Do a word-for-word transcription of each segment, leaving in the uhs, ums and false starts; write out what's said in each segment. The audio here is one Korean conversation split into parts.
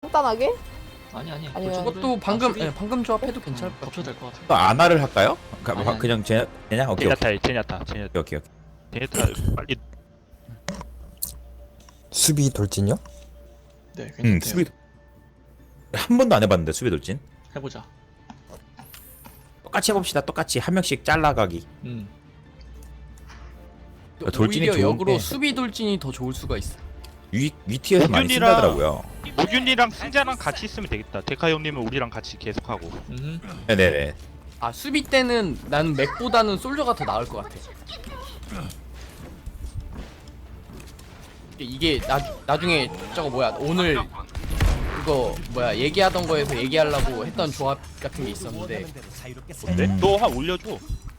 간단하게? 아니 아니. 아니면- 그것도 방금 예, 방금 조합해도 괜찮을 것 같아. 덮쳐도 될 것 같아. 또 아나를 할까요? 가, 아니, 아니. 그냥 제 그냥 오케이 오케이 제냐타 제냐타 제냐타 오케이 오케이. 제냐타 빨리. 수비 돌진요? 네, 음 괜찮대요. 수비 한 번도 안 해봤는데 수비 돌진. 해보자. 똑같이 해봅시다. 똑같이 한 명씩 잘라가기. 음. 돌진이 오히려 역으로 좋은데. 수비 돌진이 더 좋을 수가 있어. 위 위티에서 많이 모균이랑- 쓴다더라고요. 모균이랑 승자랑 같이 있으면 되겠다. 데카 형님은 우리랑 같이 계속하고. 음. 네네네. 아 수비 때는 나는 맥보다는 솔저가 더 나을 것 같아. 이게 나 나중에 저거 뭐야 오늘 그거 뭐야 얘기하던 거에서 얘기하려고 했던 조합 같은 게 있었는데 뭔데? 음. 너 한 올려줘.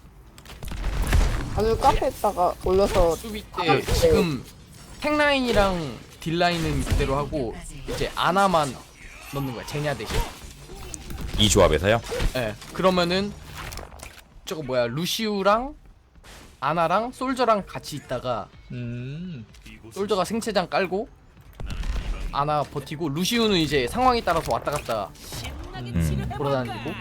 아주 카페에다가 올려서 수비 때 지금 탱라인이랑 딜라인은 그대로 하고 이제 아나만 넣는 거야 제냐 대신. 이 조합에서요? 예. 그러면은 저거 뭐야 루시우랑 아나랑 솔저랑 같이 있다가 음. 솔저가 생체장 깔고 아나 버티고 루시우는 이제 상황에 따라서 왔다 갔다 음. 돌아다니고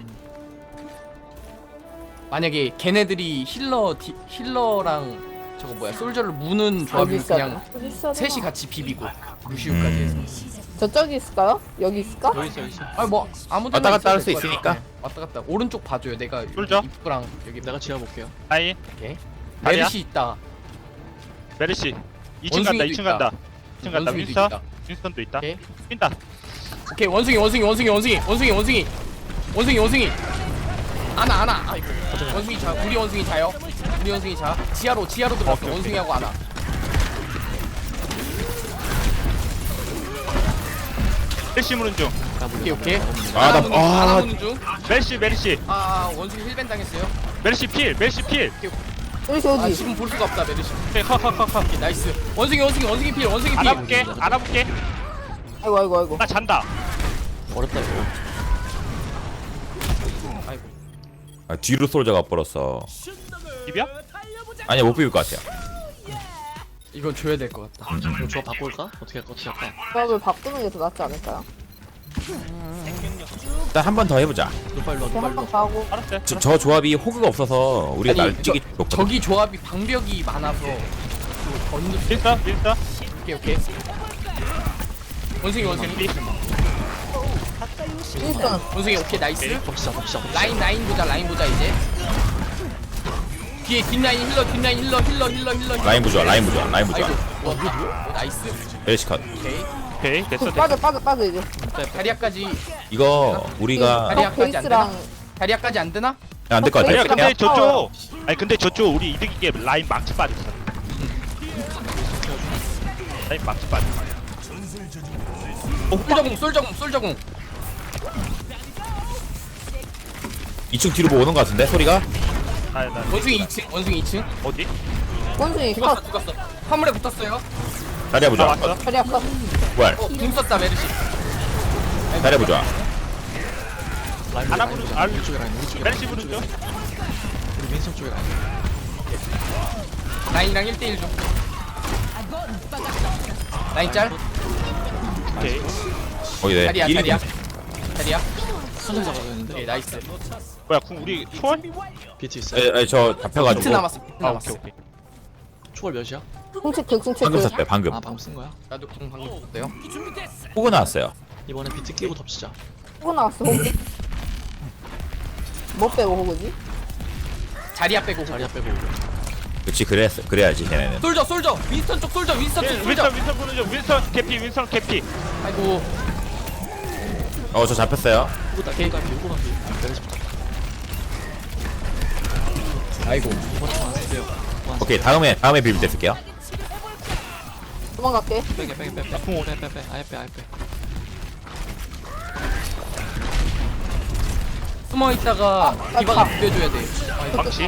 만약에 걔네들이 힐러 디, 힐러랑 저거 뭐야 솔저를 무는 여기 조합이면 있어야 그냥 되나? 여기 있어야 셋이 되나? 같이 비비고 루시우까지 해서 음. 저쪽이 있을까요? 여기 있을까? 여기 있어 여기 있어. 아니 뭐 아무데나 왔다 갔다 있어도 할수 될것 있으니까. 같아. 왔다 갔다 오른쪽 봐줘요 내가 솔져? 여기 입구랑 여기 내가 지어 볼게요. 아이 오케이 다리야? 메르시 있다 메르시. 이 층 간다. 원숭이도 이 층 있다. 간다. 이 층 간다. 원숭이도 윈스턴. 있다. 윈스턴도 있다. 오케이 뛴다. 오케이 원숭이 원숭이 원숭이 원숭이 원숭이 원숭이 원숭이 원숭이 아나 아나 아이고 원숭이 자 우리 원숭이 자요 우리 원숭이 자 지하로 지하로 들어갔어 오케이, 오케이. 원숭이하고 아나 메르시 무는 중. 오케이 오케이 아, 아나 나- 무는 중 아. 아나 무는 중아 메르시 메르시. 원숭이 힐벤 당했어요 메르시 필. 메르시 필. 여기 아 어디? 지금 볼 수가 없다 메르시 오케이 컷컷컷컷. 오케이 나이스 원숭이 원숭이 원숭이 필 원숭이 필 알아볼게. 알아볼게. 아이고 아이고 아이고. 나 잔다. 어렵다 이거. 아이고 아, 뒤로 솔저가 벌었어. 비벼? 아니야 못 비빌 것 같아요. 이건 줘야 될 것 같다 이거 조합 바꿀까? 어떻게 할까? 어떻게 할까? 조합을 바꾸는 게 더 낫지 않을까요? 일단 한 번 더 해보자. 노발로 이렇게 한 노발로. 번 더 하고 알았어요. 저, 저 조합이 호그가 없어서 우리가 아니, 날뛰기 좋거든. 저기 조합이 방벽이 많아서 그 건너 윈스턴 윈스턴. 오케이 오케이 원숭이 원숭이 일단 원숭이 오케이 나이스 덮치자 덮치자. 덮치자. 라인 라인 보자 라인 보자 이제 뒤에 뒷 라인 힐러 뒷 라인 힐러 힐러 힐러 힐러 힐러. 라인 부좋아 라인 부좋아 라인 부좋아. 아이고 와 이거 뭐야 어, 나이스 메르시 컷. 오케이 오케이 됐어 됐어. 빠져 빠져 빠져 이제. 다리아까지 이거 우리가 다리야. 다리아까지 안 되나? 베이스랑 다리아까지 안 되나? 안 될 것 아니야 같아요. 근데 그냥 저쪽 아니 근데 저쪽 우리 이득이게 라인 망치 빠졌어. 라인 망치 빠졌어. 어 솔저공 솔저공 솔저공 이 층 뒤로 뭐 오는 것 같은데 소리가. 나, 나 원숭이 이 층 원숭이 이 층 어디? 원숭이 죽었어 컷. 죽었어 화물에 붙었어요 다리야 나 부좋아. 왔어? 다리 아파. 부활. 어궁 썼다 메르시 다리야 부좋아. 라인 하나 라인 부르- 라인 아, 우리 쪽에 라인 우리 쪽에 메르시 라인, 부른 우리 쪽에 중. 라인. 우리 윈선 쪽에 라인. 라인이랑 일 대일 중 라인 짤 오케이. 거기 내 다리야 일 다리야 인분. 다리야 선정 잡아야 되는데. 오케이 나이스 뭐야 궁 우리 초월? 비트 있어요. 에, 에, 저 비트 잡혀가지고 남았어 비트 아 남았어 오케이 오케이. 초월 몇이야? 궁체크 궁체크. 방금 썼대 방금. 아 방금 쓴 거야? 나도 궁 방금 썼대요 호그 나왔어요. 이번에 비트 끼고 덮치자. 호구 나왔어 호구. 뭐 빼고 호구지? 자리야 빼고 자리야 빼고. 그렇지 그랬어 그래야지 걔네는. 솔저 솔저 윈스턴 쪽 솔저 윈스턴 쪽 솔저 윈스턴 윈스턴 부른 중. 윈스턴 캐피 윈스턴 캐피. 아이고 어 저 잡혔어요. 후구 딸 후구 딸 후구 딸 내려서 아이고 이번 주안 쓰세요. 오케이 다음에 다음에 비빌 때 쓸게요. 도망갈게. 빼게 빼게 빼 빼. 궁 오네. 빼빼 아예 빼 아예 빼. 숨어 있다가 아, 디바가 아. 비벼줘야 돼 망치.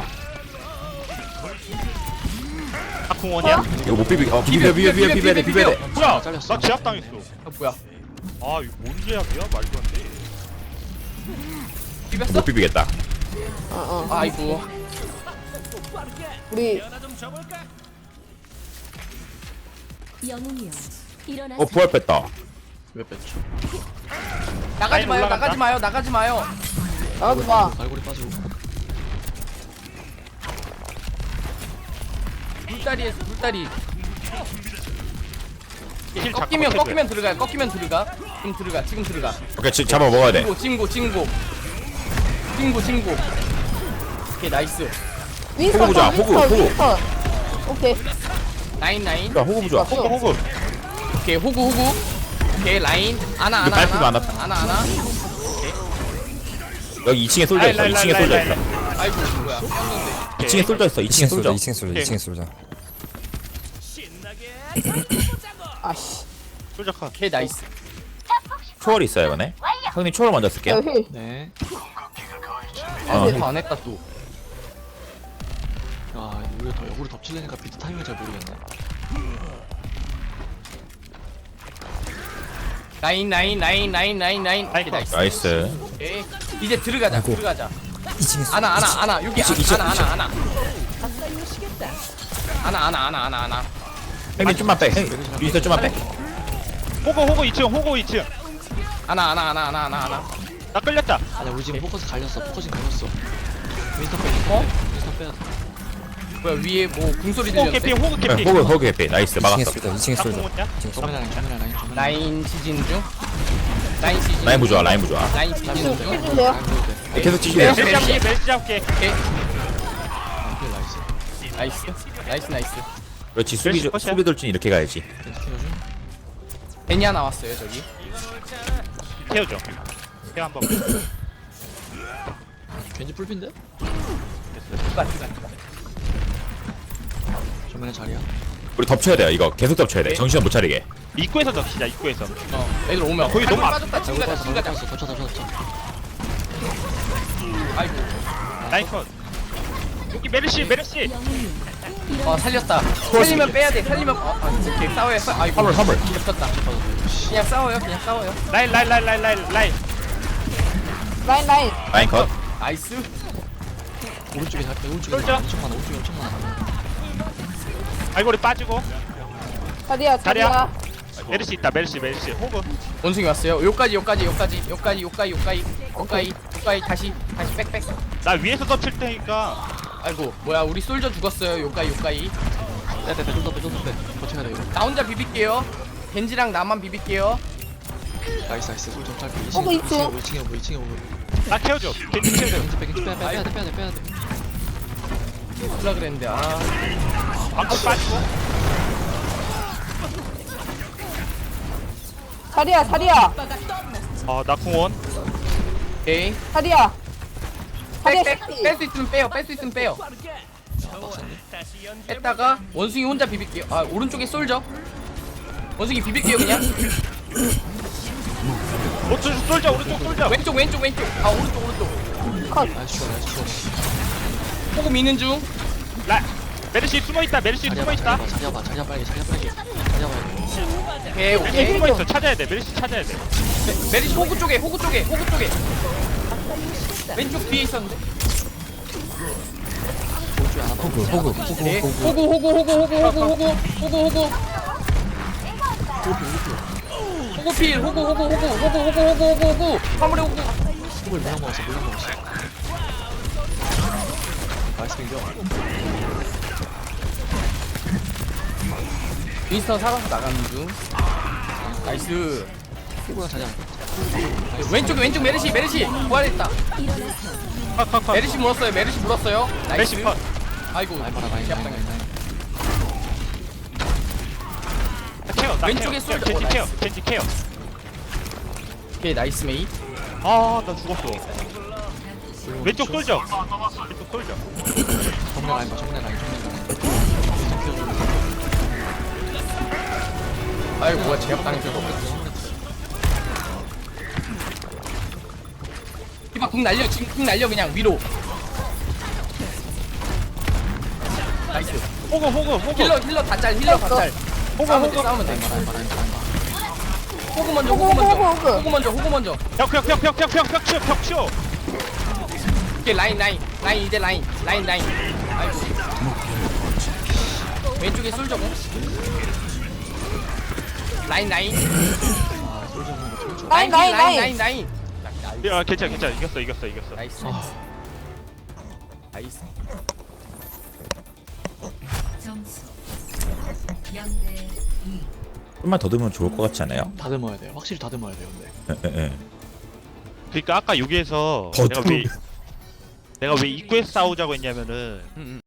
아궁 원이야? 이거 못 비비. 어 비벼 비벼 비벼 비벼야 돼 비벼야 돼. 뭐야? 잘렸어. 나 제압 당했어. 아 뭐야 아 이거 뭔 제압이야? 말도 안 돼. 비볐어? 못 비비겠다. 어어. 아이고 우리 영웅이여 일어나 어 부활 뺐다. 왜 뺐죠? 나가지 라인 마요 올라간다. 나가지 마요 나가지 마요. 나가지 마. 갈고리 빠지고. 불다리에서 불다리. 힐 잠깐 꺾이면 해줘요. 꺾이면 들어가요. 꺾이면 들어가. 지금 들어가. 지금 들어가. 오케이 지, 잡아 먹어야 돼. 찡고 찡고 찡고. 찡고 찡고. 오케이 나이스. 윈스턴, 호구 보자, 윈스턴, 호구, 호구. 윈스턴. 오케이. 라인 라인. 야 호구 부좋아. 호구 호구 오케이 호구 호구. 오케이 라인. 아나 이거 아나 발표가 안 아나. 왔다. 아나 아나. 여기 이 층에 솔져 있어. 이 층에 솔져 있어. 아이고 뭐야. 꼈는데. 이 층에 솔져 있어. 이 층에 이층에 쏠자 솔져. 이층에 쏠자 이층에 쏠자 아씨. 솔직하 오케이 나이스. 초월 있어요 이번에. 형님 초월 먼저 야, 쓸게요. 힐. 네. 아, 어. 안 했다 또. 아 이거 더 역으로 덮치려니까 비트 타이밍을 잘 모르겠네. 라인 라인 라인 라인 라인 라인. 오케이 나이스. 나이스. 오케이. 이제 들어가자. 아이고. 들어가자. 이층에 쏠자 아나 아나 아나 여기 이층, 이층, 아나 아나 아나. 아나 아나 아나 아나 아나. 형님 좀만 빼. 형님 윈스턴 좀만 빼. 호구 호구 이 층 호구 이 층. 아나 아나 아나 아나 아나 아나. 나 끌렸다. 아니 우리 지금 포커스 갈렸어. 포커싱 갈렸어. 윈스턴 빼. 어? 윈스턴 빼야 돼. 뭐야 위에 뭐 궁소리 호구 들렸는데? 캐피 호구 네, 캐피. 호구 호구 개피. 나이스 이층에 막았어. 쏠자 이층에 나 쏠자 공원이야? 이층에 쏠자 정면 라인 정면 라인 정면 라인. 라인 시즌 중. 라인 시즌. 라인 부좋아. 라인 부좋아. 라인 시즌 중. 해주세요. 라인 보여도 돼. 네, 계속 치시네요. 멜시 잡게 멜시 잡게. 오케이. 아 그래 나이스. 나이스. 나이스 나이스. 그렇지 수비 멜시 컷이야? 수비 돌진 이렇게 가야지. 벤트 키워줘. 베니아 나왔어요 저기. 태워줘. 태워 한번. 겐지 풀핀데? 누가 누가 누가. 정면에 자리야. 우리 덮쳐야 돼요. 이거 계속 덮쳐야 돼. 정신 못 차리게. 입구에서 덮치자 입구에서. 어 애들 오면. 거기 너무 발골 앞- 빠졌다. 지금 가자 지금 가자. 덮쳐 덮쳐 덮쳐 덮쳐. 아이고. 라인 컷. 여기 메르시 메르시. 어 살렸다. 살리면 빼야 돼. 살리면 어 아, 이렇게 싸워요. 싸. 아이고. 화물 화물. 겹쳤다. 그냥 싸워요. 그냥 싸워요. 라인 라인 라인 라인 라인 라인. 라인, 라인. 라인 컷. 나이스. 오른쪽에 잘 빼. 오른쪽에 쏠자. 엄청 많아. 오른쪽에 엄청 많아. 알고리 빠지고. 자리야, 자리야. 자리야. 메르시 있다 메르시 메르시 호구. 원숭이 왔어요. 요까지 요까지 요까지 요까지 요까지 요까지 요까지 요까지 다시 다시 빽빽. 나 위에서 덮칠 테니까. 아이고 뭐야 우리 솔저 죽었어요. 요까지 요까지. 빼빼빼 좀 더 빼 좀 더 빼. 버텨야 돼 이거. 나 혼자 비빌게요. 겐지랑 나만 비빌게요. 나이스 나이스. 솔좀 짧게. 호구 이 층에 있지? 이 층에 오고 이 층에 오고. 나 태워줘. 겐지 태워줘. 겐지 빼 겐지 빼 빼야 돼 빼야 돼 빼야 돼. 몰라 그랬는데 아. 방금 빠지고. 자리야, 자리야. 어나 공원. 오케이. 자리야. 자리야, 뺄 씨. 수 있으면 빼요. 뺄 수 있으면 빼요. 뺐다가 원숭이 혼자 비빌게요. 아 오른쪽에 솔저. 원숭이 비빌게요 그냥. 오른쪽 쏠자 오른쪽 쏠자. 왼쪽 왼쪽 왼쪽. 아 오른쪽 오른쪽. 나이스 슈어 나이스 슈어. 호구 미는 중. 라 메르시 숨어 있다 메르시 자리야 숨어 봐 있다. 자리야 봐 자리야 빨리 자리야 빨리. 자리야 봐. 오케이 메르시 오케이. 숨어 있어 찾아야 돼 메르시 찾아야 돼. 메- 메리시 호구 쪽에 호구 쪽에 호구 쪽에. 왼쪽 뒤에 있었는데. 오른쪽에 하나 봐. 호구 호구 호구 네. 호구 호구 호구 호구 호구 호구 호구 호구 호구. 호구필 호구 호구 호구 호구 호구 호구 호구 호구 화물에 호구. 호글 물량 먹었어 물량 먹었어. 나이스 빙겨. 윈스턴 살아서 나가는 중. 나이스. 호구랑 자리야. 왼쪽 왼쪽 메르시 메르시 부활했다. 컷컷컷. 메르시 물었어요 메르시 물었어요. 나이스. 메르시 컷. 아이고. 라인 봐라 라인 라인 라인 라인. 케어 나 왼쪽에 케어. 쏠자. 겐지 어, 케어 나이스. 겐지 케어. 오케이 나이스 메이. 아나 죽었어. 왼쪽 쏠자. 왼쪽 쏠자. 정면 라인 봐 정면 라인 정면 라인. 윈스턴 키워줘. 아이고 뭐야 제압당했어. 이봐 궁 날려 지금 궁 날려 그냥 위로. 나이스. 호구 호구 호구. 힐러 힐러 다짤 힐러 다짤. 호구 싸우면 돼 호구. 싸우면 돼. 라인 봐 라인 봐 라인 봐 라인 봐. 호구 먼저 호구 호구, 먼저 호구, 호구. 호구 먼저 호구 먼저. 벽벽벽벽벽벽 치워 벽 치워. 오케이 라인 라인 라인 이제 라인 라인 라인. 아이고. 왼쪽에 솔저고. 라인 라인. 아 솔저 보는 거 틀죠. 라인, 라인 라인, 라인 라인 라인 야 괜찮아 괜찮아 이겼어 이겼어 이겼어. 나이스 나이스 점수 영대 이. 좀만 더 들면 좋을 것 같지 않아요? 다듬어야 돼요. 확실히 다듬어야 돼요. 근데 예, 예, 예. 그러니까 아까 여기에서 더 내가 왜 내가 왜 입구에서 싸우자고 했냐면은 음, 음.